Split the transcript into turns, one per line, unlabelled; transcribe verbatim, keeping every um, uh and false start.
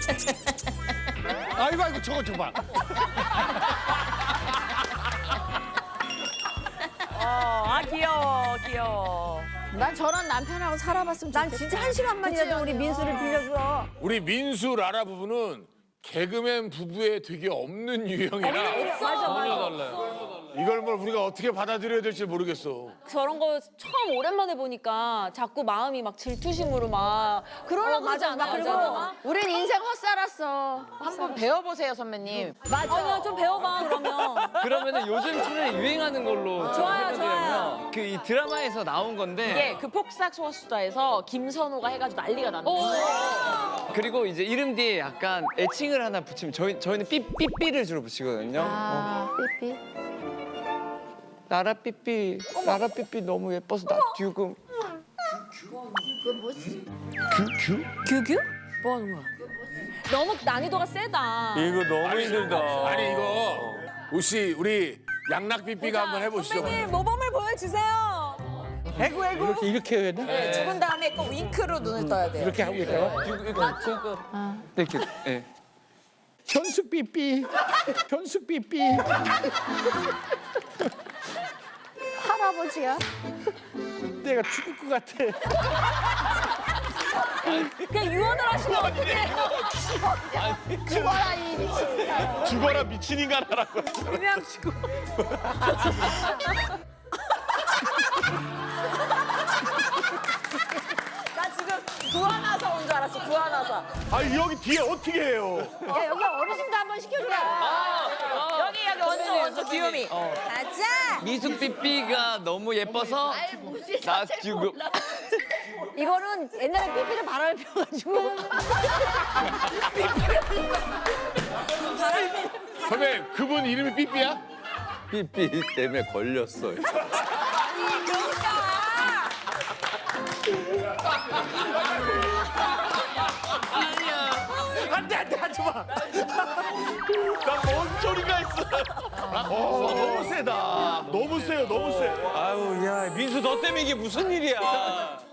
아이고 아이고 저거 줘봐.
어, 아 귀여워, 귀여워.
난 저런 남편하고 살아봤으면 좋겠다.
난 진짜 한 시간만이라도 우리 민수를 빌려줘.
우리 민수 라라 부부는 개그맨 부부에 되게 없는 유형이라
맞아, 맞아.
이걸 뭘 우리가 어떻게 받아들여야 될지 모르겠어.
저런 거 처음 오랜만에 보니까 자꾸 마음이 막 질투심으로 막 그러려고 하지 않아?
그리고
우린 인생 헛살았어.
한번 배워보세요, 선배님.
아니야, 좀 배워봐, 그러면.
그러면은 요즘 트렌드 유행하는 걸로
좋아요,
해드리면 그 이 드라마에서 나온 건데
이게 그 폭삭 소수자에서 김선호가 해가지고 난리가 났는데.
그리고 이제 이름 뒤에 약간 애칭을 하나 붙이면 저희 저희는 삐 삐삐를 주로 붙이거든요.
아, 삐삐.
나라 삐삐, 나라 삐삐 너무 예뻐서 나 듀금.
규규? 뭐 하는 거야? 너무 난이도가 세다.
이거 너무 힘들다.
아니 이거 혹시 우리 양락삐삐가 한번 해보시죠.
선배님, 모범을 보여주세요.
애구, 애구.
이렇게 이렇게 해야 돼?
죽은 다음에 꼭 윙크로 눈을 떠야 돼요.
이렇게 하고 있다가
듀금 이거 듀금. 이렇게. 예.
현숙 삐삐, 현숙 삐삐.
할아버지야.
내가 죽을 것 같아.
그냥 유언을 하시면 어떡해.
죽어라 이 미친.
죽어라 미친 인간 하라고.
그냥 죽어.
나 지금 구하나사 온 줄 알았어, 구하나사.
아 여기 뒤에 어떻게 해요?
야 여기 어르신도 한번 시켜주라.
여기, 여기 원조, 원조, 귀요미.
가자.
미숙 삐삐가 너무 예뻐서 나 듀금.
이거는 옛날에 삐삐를 바람을 펴가지고.
선배 그분 이름이 삐삐야?
삐삐 때문에 걸렸어요.
안돼 안돼 하지 마. 나뭔 소리가 있어. 어, 너무 세다. 너무 세요 너무 세.
아유 야 민수 너 때문에 이게 무슨 일이야?